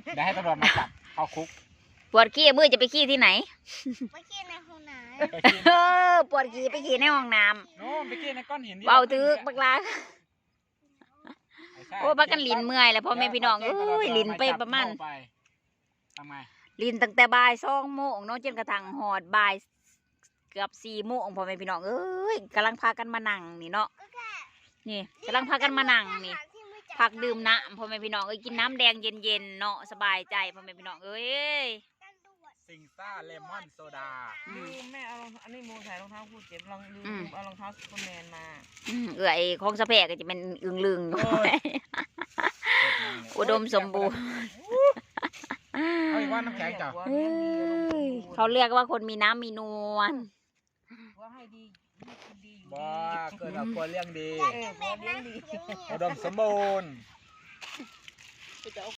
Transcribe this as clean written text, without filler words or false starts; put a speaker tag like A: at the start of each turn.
A: ได้ให้ตำรวจมาจับเข้าคุก
B: ปวดขี้มือจะไปขี้ที่ไหน
C: ไปขี้ในห้องน้
A: ไปกิน
B: ปวดขี้ไปขี้ในห้องน้
A: โน่นไปกินในก้อนหิน
B: ำเบาตึกบักลาโอ้บักกันลินเมื่อยแล้วพ่อแม่พี่น้องเอ้ยลินไปประมาณ
A: ทำไง
B: ลินตั้งแต่บ่าย2 โมงเนาะจนกระทั่งหอดบ่ายเกือบ4 โมงพ่อแม่พี่น้องเอ้ยกำลังพากันมานั่งนี่เนาะ
C: ำก็แค่
B: นี่กำลังพากันมานั่งนี่
C: ที่ไม่จับ
B: พักดื่มน้ำพ่อแม่พี่น้องเอ้ยกินน้ำแดงเย็นๆเนาะสบายใจพ่อแม่พี่น้องเอ้ย
C: ตำรวจ
A: ซิงซ่าเลมอนโซดา
D: ลืมแม่เอารองอันนี้โมใส่รองเท้าคู่เจ็บลองลืมเอารองเท้าซูเปอร์แมนมา
B: เอ้ยของสะแพกก็จะเป็นอึงลึง
A: โอ้ย
B: อุดมสมบูรณ์
A: เอาอีกว่าน้ำแข็งจ้ะ
B: เอ้ยเขาเรียกว่าคนมีน้ำมีนวล
D: ว่าให้ดีให้กินดีอยู่
A: บ้า
D: ดี
A: เกิดเอาควรเลี้ยงดี
D: เออพอเลี้ยงดี
A: อุดมสมบูรณ์